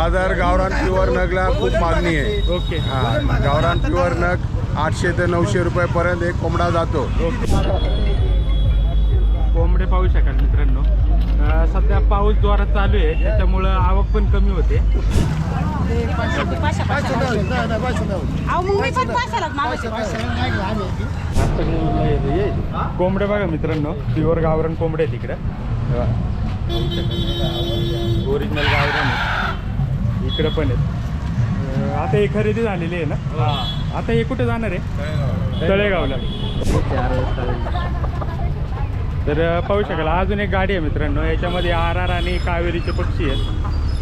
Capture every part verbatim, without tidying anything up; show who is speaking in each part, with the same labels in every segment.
Speaker 1: बाजार गावरान प्युअर नगला खूप मागणी आहे.
Speaker 2: ओके.
Speaker 1: हा गावरान प्युअर नग आठशे ते नऊशे रुपयापर्यंत एक कोंबडा जातो.
Speaker 2: कोंबडे पाहू शकाल मित्रांनो. अं, सध्या पाऊस जोरात चालू आहे त्याच्यामुळं आवक पण कमी होते. कोंबडे बघा मित्रांनो, प्युअर गावरान कोंबडे आहे तिकडे. ओरिजिनल गावरान आहे इकडे पण आहेत. अं, आता हे खरेदी झालेली आहे ना. आता हे कुठे जाणार आहे? तळेगावला. तर पाहू शकाल अजून एक गाडी आहे मित्रांनो. याच्यामध्ये आर आर आणि कावेरीचे पक्षी आहेत.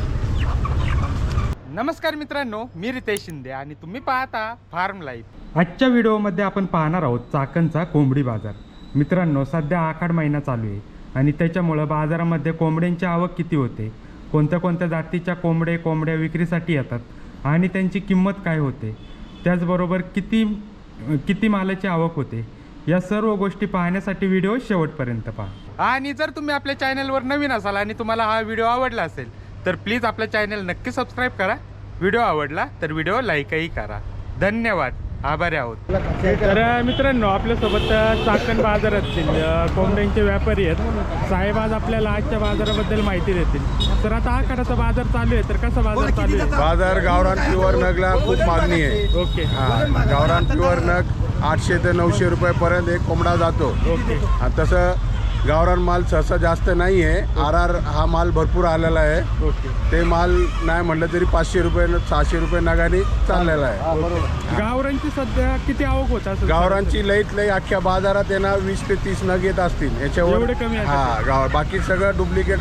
Speaker 2: नमस्कार मित्रांनो, मी रितेश शिंदे आणि तुम्ही पाहता फार्म लाईफ. आजच्या व्हिडिओमध्ये आपण पाहणार आहोत चाकणचा कोंबडी बाजार. मित्रांनो, सध्या आखाड महिना चालू आहे आणि त्याच्यामुळं बाजारामध्ये कोंबड्यांची आवक किती होते, कोणत्या कोणत्या जातीच्या कोंबडे कोंबड्या विक्रीसाठी येतात आणि त्यांची किंमत काय होते, त्याचबरोबर किती किती मालाची आवक होते, या सर्व गोष्टी पाहण्यासाठी व्हिडिओ शेवटपर्यंत पहा. आणि जर तुम्ही आपल्या चॅनलवर नवीन असाल आणि तुम्हाला हा व्हिडिओ आवडला असेल तर प्लीज आपल्या चॅनल नक्की सबस्क्राईब करा. व्हिडिओ आवडला तर व्हिडिओ लाईकही करा. धन्यवाद, आभारी आहोत. तर मित्रांनो, आपल्यासोबत चाकण बाजारातील कोंबड्यांचे व्यापारी आहेत. साहेब आज आपल्याला आजच्या बाजाराबद्दल माहिती देतील. तर आता आखाडाचा बाजार चालू आहे, तर कसा बाजार चालू आहे?
Speaker 1: बाजार गावरान प्युअर नगला खूप मागणी आहे.
Speaker 2: ओके.
Speaker 1: हा गावरान प्युअर नग आठशे ते नऊशे रुपयापर्यंत एक कोंबडा जातो.
Speaker 2: ओके.
Speaker 1: आणि तसं गावरान माल सहसा जास्त नाही आहे. आर आर हा माल भरपूर आलेला आहे.
Speaker 2: ओके.
Speaker 1: ते माल नाही म्हटलं तरी पाचशे रुपये सहाशे रुपये नगाने चाललेला आहे.
Speaker 2: गावरांची सध्या किती आवक होत असेल?
Speaker 1: गावरांची लईत लई अख्ख्या बाजारात येणार वीस ते तीस नग येत असतील. याच्यावर
Speaker 2: एवढे कमी आहे?
Speaker 1: हा गाव बाकी सगळं डुप्लिकेट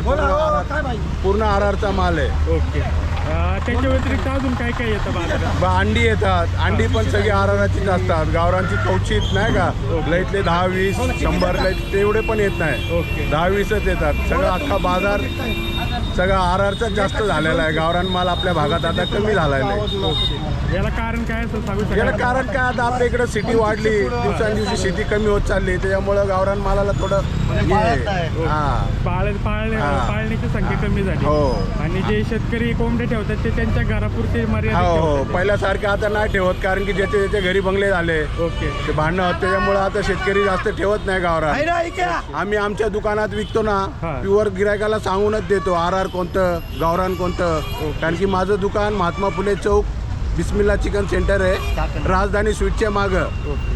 Speaker 1: पूर्ण आर आरचा माल आहे.
Speaker 2: ओके. अं, त्याच्या व्यतिरिक्त अजून काय काय येतं बाजारात?
Speaker 1: बा अंडी येतात. अंडी पण सगळी आर आरचीच असतात. गावरांची कवचित नाही का, लईतले दहा वीस शंभर लईत तेवढे पण येत नाही.
Speaker 2: ओके.
Speaker 1: दहा वीसच येतात. सगळं अख्खा बाजार सगळं आर आरचाच जास्त झालेला आहे. गावरान माल आपल्या भागात आता कमी झालेला आहे.
Speaker 2: याला कारण काय असं सांगू शकता?
Speaker 1: याला कारण काय, आता आपल्या इकडे सिटी वाढली, दिवसांदिवशी शेती कमी होत चालली, त्याच्यामुळं गावरान मालाला थोडं हे आहे. हा
Speaker 2: पाळ पाळणे
Speaker 1: हा.
Speaker 2: पाळण्याची संख्या कमी झाली.
Speaker 1: हो.
Speaker 2: आणि जे शेतकरी कोंबडे ठेवतात ते त्यांच्या घरापुरते मर्यादित
Speaker 1: हो हो
Speaker 2: ठेवतात.
Speaker 1: पहिल्यासारखं आता नाही ठेवत, कारण की ज्याचे ज्याचे घरी बंगले झाले
Speaker 2: ओके.
Speaker 1: ते भांडणं होत, त्याच्यामुळे आता शेतकरी जास्त ठेवत नाही गावरान. आम्ही आमच्या दुकानात विकतो ना,
Speaker 2: हा.
Speaker 1: प्युअर गिरायकाला सांगूनच देतो आर आर कोणतं गावरान कोणतं. कारण की माझं दुकान महात्मा फुले चौक बिस्मिल्ला चिकन सेंटर आहे, राजधानी स्वीटच्या मागं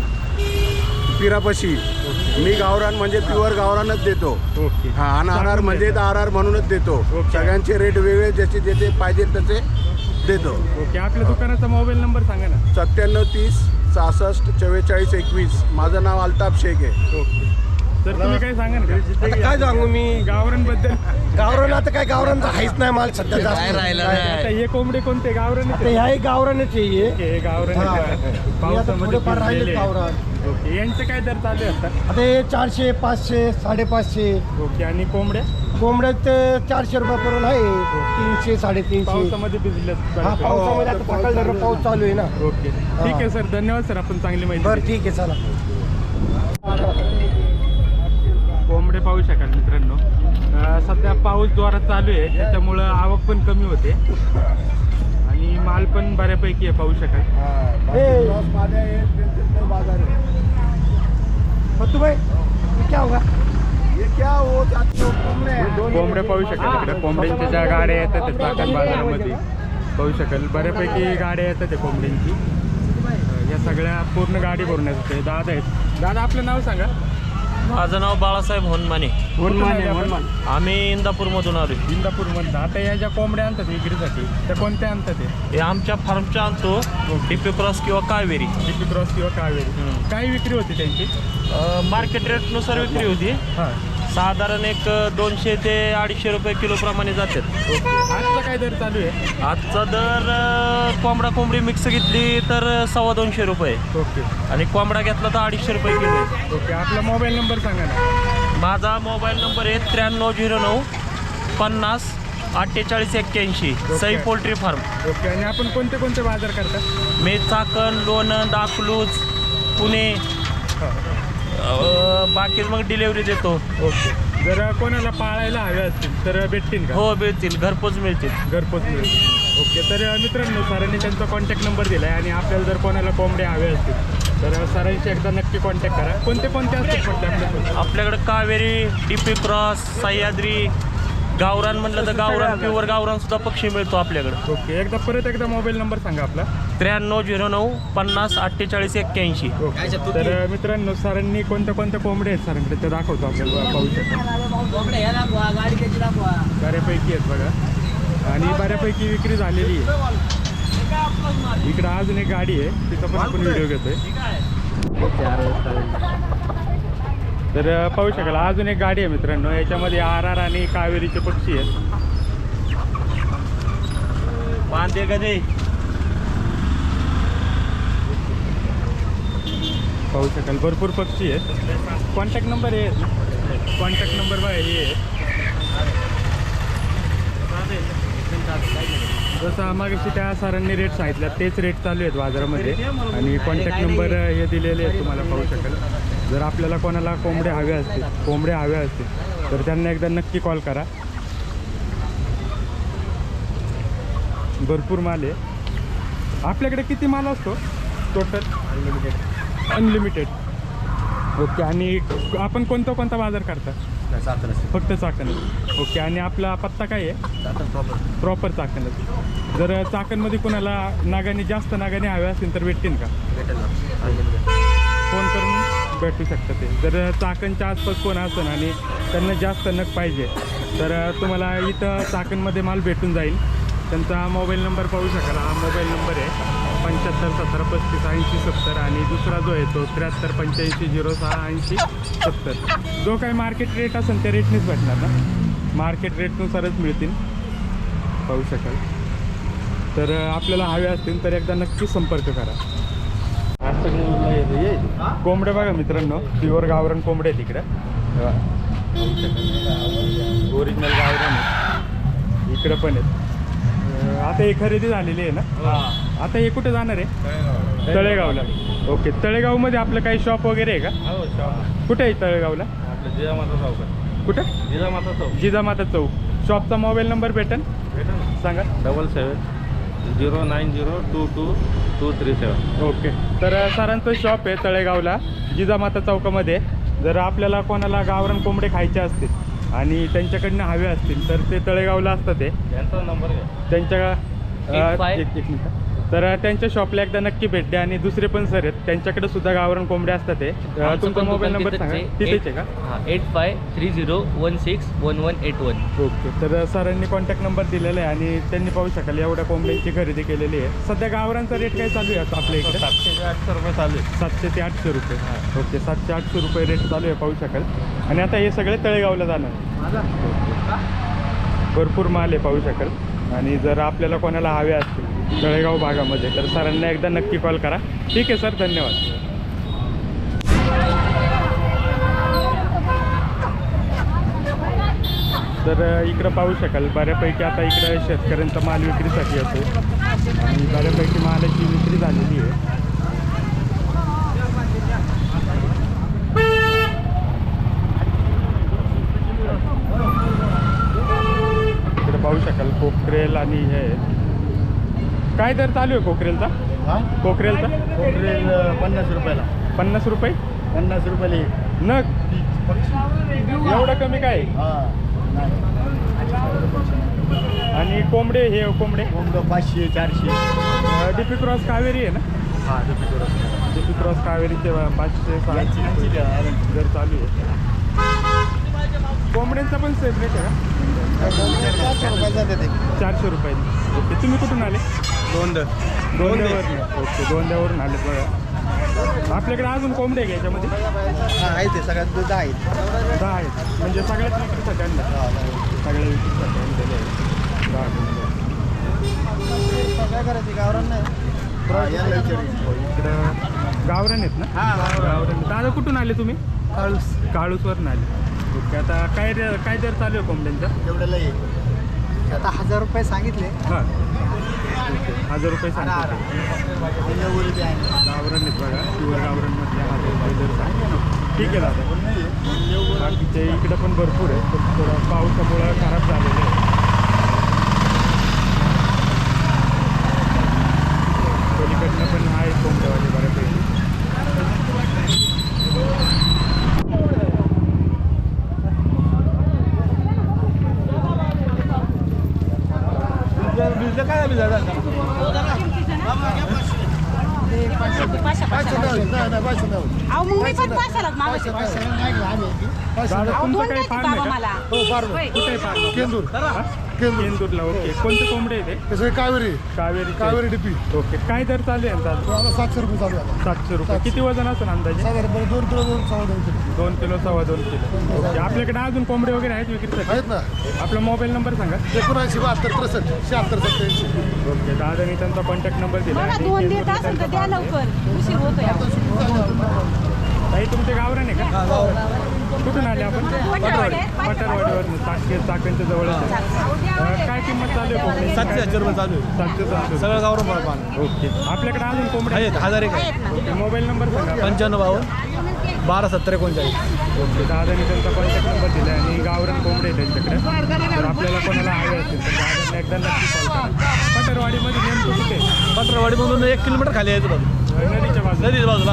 Speaker 1: पिरापशी. मी गावरान म्हणजे प्युअर गावरानच देतो.
Speaker 2: ओके.
Speaker 1: हा आणि आर आर म्हणजे आर आर म्हणूनच देतो.
Speaker 2: ओके.
Speaker 1: सगळ्यांचे रेट वेगळे, ज्याचे ज्याचे पाहिजे तसे देतो.
Speaker 2: ओके. आपल्या दुकानाचा मोबाईल नंबर सांगा ना.
Speaker 1: सत्त्याण्णव तीस सहासष्ट चव्वेचाळीस एकवीस. माझं नाव अल्ताफ शेख आहे.
Speaker 2: ओके. तर तुम्ही काय सांगा ना?
Speaker 3: आता काय सांगू मी
Speaker 2: गावरान बद्दल.
Speaker 3: गावरान आता काय गावरान आहेच नाही माल सध्या जास्त राहिला
Speaker 2: आता हे कोंबडे कोणते गावरान आहेत?
Speaker 3: ह्याही गावरानच आहे हे.
Speaker 2: ओके, हे गावरान
Speaker 3: हा.
Speaker 2: आहेत.
Speaker 3: हे आता
Speaker 2: पावसामध्ये
Speaker 3: थोडेफार राहिले
Speaker 2: भिजलेले.
Speaker 3: गावरान.
Speaker 2: ओके. यांचे काय दर चालू आहे आता?
Speaker 3: आता हे चारशे पाचशे साडेपाचशे.
Speaker 2: ओके. आणि कोंबड्या
Speaker 3: कोंबड्यात चारशे रुपयापर्यंत आहे. तीनशे साडेतीनशे.
Speaker 2: पावसामध्ये भिजले.
Speaker 3: हा पावसामध्ये आता सकाळ जरा पाऊस चालू आहे ना.
Speaker 2: ओके. ठीक आहे सर, धन्यवाद सर, आपण चांगली माहिती
Speaker 3: बरं
Speaker 2: दिली.
Speaker 3: ठीक आहे चला.
Speaker 2: कोंबडे पाहू शकाल मित्रांनो. अं, सध्या पाऊस जोरात चालू आहे त्याच्यामुळं आवक पण कमी होते आणि माल पण बऱ्यापैकी आहे, पाहू शकाल.
Speaker 3: फतू भाई ये क्या होगा?
Speaker 1: क्या हो
Speaker 2: कोंबडे पाहू शकाल इकडे. कोंबड्यांच्या ज्या गाड्या येतात त्या चाकण बाजारामध्ये पाहू शकाल, बऱ्यापैकी गाड्या येतात त्या कोंबड्यांची. अं, या सगळ्या पूर्ण गाडी भरून येतात. दादा आहेत. दादा, आपलं नाव सांगा.
Speaker 4: माझं नाव बाळासाहेब होनमाने.
Speaker 2: होनमाने. होनमान.
Speaker 4: आम्ही इंदापूरमधून आलो.
Speaker 2: इंदापूरमध्ये. आता या ज्या कोंबड्या आणतात विक्रीसाठी त्या कोणत्या आणतात? ते
Speaker 4: हे आमच्या फार्मच्या आणतो, डीपी क्रॉस किंवा कावेरी.
Speaker 2: डीपी क्रॉस किंवा कावेरी. काय विक्री होती त्यांची?
Speaker 4: मार्केट रेटनुसार विक्री होती.
Speaker 2: हां.
Speaker 4: साधारण एक दोनशे ते अडीचशे रुपये किलो प्रमाणे जातात.
Speaker 2: ओके. आजचा काय दर चालू आहे?
Speaker 4: आजचा दर अं, कोंबडा कोंबडी मिक्स घेतली तर सव्वा दोनशे रुपये
Speaker 2: ओके.
Speaker 4: आणि कोंबडा घेतला तर अडीचशे रुपये किलो आहे.
Speaker 2: ओके. आपला मोबाईल नंबर सांगा ना.
Speaker 4: माझा मोबाईल नंबर आहे त्र्याण्णव झिरो नऊ पन्नास अठ्ठेचाळीस एक्क्याऐंशी. Sai poultry farm.
Speaker 2: ओके. आणि आपण कोणते कोणते बाजार करता?
Speaker 4: मी चाकण, लोणंद, अकलूज, पुणे, अं, बाकी मग डिलेवरी देतो.
Speaker 2: ओके. जर कोणाला पाळायला हवे असतील तर भेटतील का?
Speaker 4: हो मिळतील, घरपोच मिळतील.
Speaker 2: घरपोच मिळतील. ओके, तर मित्रांनो सरांनी त्यांचा कॉन्टॅक्ट नंबर दिला आहे आणि आपल्याला जर कोणाला कोंबड्या हवे असतील तर सरांशी एकदा नक्की कॉन्टॅक्ट करा. कोणते कोणते असतील म्हटलं आपल्याकडे?
Speaker 4: आपल्याकडे कावेरी, डीपी क्रॉस, सह्याद्री, गावरान म्हटलं तर गावरान, प्युअर गावरान सुद्धा पक्षी मिळतो आपल्याकडे.
Speaker 2: ओके, एकदा परत एकदा मोबाईल नंबर सांगा आपला.
Speaker 4: त्र्याण्णव झिरो नऊ पन्नास अठ्ठेचाळीस एक्क्याऐंशी.
Speaker 2: ओके, तर मित्रांनो सरांनी कोणत्या कोणत्या कोंबड्या आहेत सरांकडे ते दाखवतो आपल्याला, पाहू शकतो. बऱ्यापैकी आहेत बघा आणि बऱ्यापैकी विक्री झालेली आहे. इकडं अजून एक गाडी आहे, तिचा पण आपण व्हिडिओ घेतोय. तर पाहू शकाल अजून एक गाडी आहे मित्रांनो, याच्यामध्ये आर आर आणि कावेरीचे पक्षी आहेत.
Speaker 4: बांधे कधी
Speaker 2: पाहू शकाल भरपूर पक्षी आहेत. कॉन्टॅक्ट नंबर आहे, कॉन्टॅक्ट नंबर बघा हे आहे. जसं मागाशी त्या सरांनी रेट सांगितल्या तेच रेट चालू आहेत बाजारामध्ये आणि कॉन्टॅक्ट नंबर हे दिलेले आहेत तुम्हाला, पाहू शकाल. जर आपल्याला कोणाला कोंबड्या हव्या असतील कोंबड्या हव्या असतील तर त्यांना एकदा नक्की कॉल करा. भरपूर माल आहे आपल्याकडे. किती माल असतो टोटल? अनलिमिटेड. अनलिमिटेड. ओके, आणि आपण कोणता कोणता बाजार करता? फक्त चाकणच. ओके, आणि आपला पत्ता काय आहे? प्रॉपर चाकणच. जर चाकणमध्ये कोणाला नागाने जास्त नागाने हव्या असतील तर भेटतील का? फोन करून भेटू शकतं ते. जर चाकणच्या आसपास कोण असेल आणि त्यांना जास्त नग पाहिजे तर तुम्हाला इथं चाकणमध्ये माल भेटून जाईल. त्यांचा मोबाईल नंबर पाहू शकाल. हा मोबाईल नंबर आहे पंच्याहत्तर सतरा पस्तीस ऐंशी सत्तर आणि दुसरा जो आहे तो त्र्याहत्तर पंच्याऐंशी झिरो सहा ऐंशी सत्तर. जो काही मार्केट रेट असेल त्या रेटनेच भेटणार ना, मार्केट रेटनुसारच मिळतील, पाहू शकाल. तर आपल्याला हवे असतील तर एकदा नक्की संपर्क करा. कोंबडे बघा मित्रांनो, प्युअर गावरान कोंबडे आहेत इकडं. ओरिजिनल गावरान आहे. इकडं पण आहेत. आता हे खरेदी झालेली आहे ना? आता हे कुठे जाणार आहे? तळेगावला. ओके, तळेगावमध्ये आपलं काही शॉप वगैरे आहे का? कुठे आहे तळेगावला?
Speaker 5: जिजामाता चौक.
Speaker 2: कुठं?
Speaker 5: जिजामाता चौक.
Speaker 2: जिजामाता चौक. शॉपचा मोबाईल नंबर भेटेल सांगा.
Speaker 5: Double seven zero nine zero two two two three seven.
Speaker 2: Okay, तर सरांचं शॉप आहे तळेगावला जिजामाता चौकामध्ये. जर आपल्याला कोणाला गावरान कोंबडे खायचे असतील आणि त्यांच्याकडनं हवे असतील तर ते तळेगावला असतात. ते
Speaker 5: यांचा नंबर घ्या.
Speaker 2: त्यांच्या
Speaker 4: एक फाय-
Speaker 2: एक एक मिनिट. तर त्यांच्या शॉपला एकदा नक्की भेट द्या आणि दुसरे पण सर आहेत त्यांच्याकडे सुद्धा गावरान कोंबडे असतात. ते तुमचा मोबाईल नंबर सांगा. तिथेच आहे का?
Speaker 6: हां eight five three zero one six one one eight one.
Speaker 2: Okay, तर सरांनी कॉन्टॅक्ट नंबर दिलेला आहे आणि त्यांनी पाहू शकाल एवढ्या कोंबड्यांची खरेदी केलेली आहे. सध्या गावरांचा रेट काय चालू आहे आपल्या इकडे?
Speaker 5: सातशे ते आठशे रुपये चालू आहे.
Speaker 2: सातशे ते आठशे रुपये. ओके, सातशे आठशे रुपये रेट चालू आहे, पाहू शकाल. आणि आता हे सगळे तळेगावला जाणार. भरपूर माल आहे, पाहू शकाल. आणि जर आपल्याला कोणाला हवे असतील तळेगाव भागामध्ये तर सरांना एकदा नक्की कॉल करा. ठीक आहे सर, धन्यवाद. तर इकडं पाहू शकाल बऱ्यापैकी आता इकडं शेतकऱ्यांचा माल विक्रीसाठी असतो आणि बऱ्यापैकी मालाची विक्री झालेली आहे. इकडे पाहू शकाल कोकरेल आणि हे काय दर चालू आहे कोकरेलचा? कोकरेलचा
Speaker 3: कोकरेल पन्नास रुपयाला.
Speaker 2: पन्नास रुपये
Speaker 3: पन्नास रुपयाला एक.
Speaker 2: नग. एवढं कमी काय? आणि कोंबडे हे कोंबडे
Speaker 3: कोंबडं पाचशे चारशे.
Speaker 2: डीपी क्रॉस कावेरी आहे ना?
Speaker 3: हां
Speaker 2: डीपी क्रॉस कावेरीचे पाचशे सहाशे दर चालू आहे. कोंबड्यांचा पण सेपरेट आहे का?
Speaker 3: चारशे रुपयाचा देते.
Speaker 2: चारशे रुपये. ओके, तुम्ही कुठून आले?
Speaker 1: दोन द
Speaker 2: दोंद्यावरून. ओके, दोंद्यावरून आले बघा. आपल्याकडे अजून कोंबडे आहे का याच्यामध्ये?
Speaker 3: हां आहे ते सगळ्यात दूध आहे.
Speaker 2: दहा आहेत म्हणजे सगळ्याच विक्रीसाठी आणलं. सगळ्या विक्रीसाठी आणलेले आहेत दहा कोंबड्या.
Speaker 3: काय करायचं गावरान नाही.
Speaker 2: इकडं गावरान आहेत ना? गावरान. दादा कुठून आले तुम्ही?
Speaker 3: काळूस.
Speaker 2: काळूसवरून आले. ओके, आता काय रे काय दर चालू आहे कोंबड्यांचा?
Speaker 3: तेवढ्याला ये. आता हजार रुपये सांगितले.
Speaker 2: हां, ओके, हजार रुपये सांगा. गावरान आहेत बघा, प्युअर गावरानमधल्या हजार रुपये दर सांगा. ठीक आहे दादा. बाकीचे इकडं पण भरपूर आहे, पण थोडं पावसामुळं खराब झालेलं आहे.
Speaker 7: अहो मग मी पण पाचशेला मागायचे.
Speaker 2: दादा
Speaker 7: अहो
Speaker 2: तुमचं
Speaker 7: दोन
Speaker 2: काही
Speaker 7: द्यायचे
Speaker 2: फार्म
Speaker 7: बाबा
Speaker 2: आहे
Speaker 7: मला.
Speaker 2: का?
Speaker 3: हो फार
Speaker 7: होय.
Speaker 2: कुठे फार्म
Speaker 3: केंदूर केंदूर
Speaker 2: केंदूरला. ओके. कोणते कोंबडे आहे ते?
Speaker 3: तसं कावेरी
Speaker 2: कावेरी
Speaker 3: कावेरी डिपी
Speaker 2: ओके. काय दर चालू आहे यांचा?
Speaker 3: तो आता सातशे रुपये चालू आहे आता.
Speaker 2: सातशे रुपये. किती वजन असेल अंदाजे?
Speaker 3: साधारण दोन किलो दोन सव्वा दोन किलो
Speaker 2: दोन किलो सव्वा दोन किलो. ओके. आपल्याकडे अजून कोंबडे वगैरे आहेत विक्रीसाठी?
Speaker 3: आहेत ना.
Speaker 2: आपला मोबाईल नंबर सांगा.
Speaker 3: एकोणऐंशी बहात्तर त्रेसष्ट शहात्तर सत्याऐंशी.
Speaker 2: ओके. दादानी त्यांचा कॉन्टॅक्ट नंबर दिला
Speaker 7: मला
Speaker 2: आणि
Speaker 7: दोन
Speaker 2: केंदूरला
Speaker 7: देत असेल तर
Speaker 2: त्यांचा
Speaker 7: द्या लवकर, उशीर होतोय अहो.
Speaker 2: ताई तुमचे गावरान आहे का? कुठून आले आपण?
Speaker 7: पटरवाडी.
Speaker 2: पटरवाडीवरून. चाके चाकणच्या जवळच आहे. अं, काय किंमत चालू आहे कोंबडी?
Speaker 1: सातशे हजार रुपये चालू आहे.
Speaker 2: सातशे सातशे.
Speaker 1: सगळं गावरान मला पाहणं.
Speaker 2: ओके. आपल्याकडे अजून कोंबडे
Speaker 1: आहेत हजार एक आहे.
Speaker 7: आहेत ना.
Speaker 2: ओके. मोबाईल नंबर सांगा.
Speaker 1: पंच्याण्णव बावन्न बारा सत्तर एकोणचाळीस.
Speaker 2: ओके. दादानी त्यांचा कॉन्टॅक्ट नंबर दिला आणि गावरान कोंबडे आहे त्यांच्याकडे. तर आपल्याला कोणाला हवे असतील तर दादांना एकदा नक्की कॉल करा. पटरवाडीमध्ये नेमकं कुठे?
Speaker 1: पटरवाडीमधून एक किलोमीटर खाली यायचं बाजू
Speaker 2: नदीच्या बाजूला.
Speaker 1: नदीच्या बाजूला.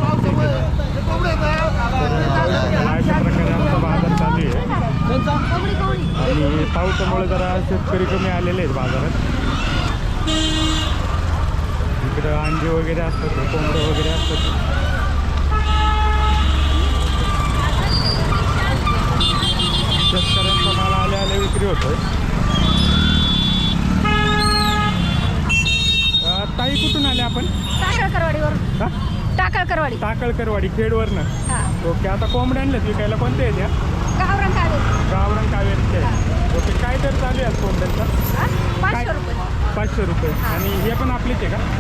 Speaker 2: अशा प्रकारे आमचा बाजार चालू आहे आणि पावसामुळे जरा शेतकरी कमी आलेले आहेत बाजारात. इकडं अंडे वगैरे असतात, कोंबडं वगैरे असतात. शेतकऱ्यांचा माल आले आले विक्री होतोय. अं, ताई कुठून आले आपण?
Speaker 7: टाकळकरवाडीवर.
Speaker 2: हा
Speaker 7: टाकळकरवाडी.
Speaker 2: टाकळकरवाडी खेडवरनं.
Speaker 7: हा.
Speaker 2: ओके. आता कोंबड्या आणल्यात विकायला कोणते आहेत या?
Speaker 7: गावरान कावेरी.
Speaker 2: गावरान कावेरीचे आहे. ओके. काय दर चालू आहे आज कोंबड्यांचा?
Speaker 7: हा? पाचशे रुपये.
Speaker 2: पाचशे रुपये. आणि हे पण आपलेच आहे का?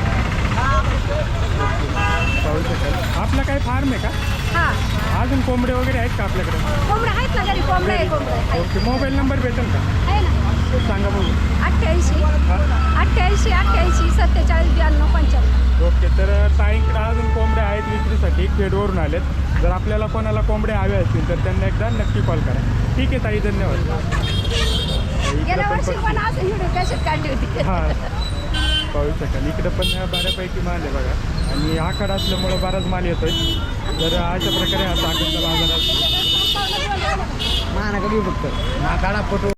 Speaker 2: पाहू शकाल. आपला काय फार्म आहे का?
Speaker 7: हा.
Speaker 2: अजून कोंबडे वगैरे आहेत का आपल्याकडे?
Speaker 7: कोंबडे आहेत ना घरी, कोंबडे आहे, कोंबडे आहे.
Speaker 2: ओके. मोबाईल नंबर भेटेल का?
Speaker 7: आहे ना.
Speaker 2: सांगा बघू.
Speaker 7: अठ्ठ्याऐंशी
Speaker 2: हा.
Speaker 7: अठ्ठ्याऐंशी अठ्ठ्याऐंशी सत्तेचाळीस ब्याण्णव पंच्याण्णव.
Speaker 2: ओके. तर ताईंकडे अजून कोंबड्या आहेत विक्रीसाठी, खेडवरून आलेत. जर आपल्याला कोणाला कोंबडे हवे असतील तर त्यांना एकदा नक्की कॉल करा. ठीक आहे ताई, धन्यवाद. इकडं
Speaker 7: गेल्या
Speaker 2: पण
Speaker 7: वर्षी
Speaker 2: पक्षी-
Speaker 7: पण असं व्हिडिओ कॅसेट काढली होती.
Speaker 2: हां पाहू शकाल. इकडं पण बऱ्यापैकी माल आहे बघा आणि आखाड असल्यामुळं बराच माल येतोय. तर अशा प्रकारे हा चाकणचा बाजार असतो.
Speaker 3: महानगर फक्त काढा फोटो.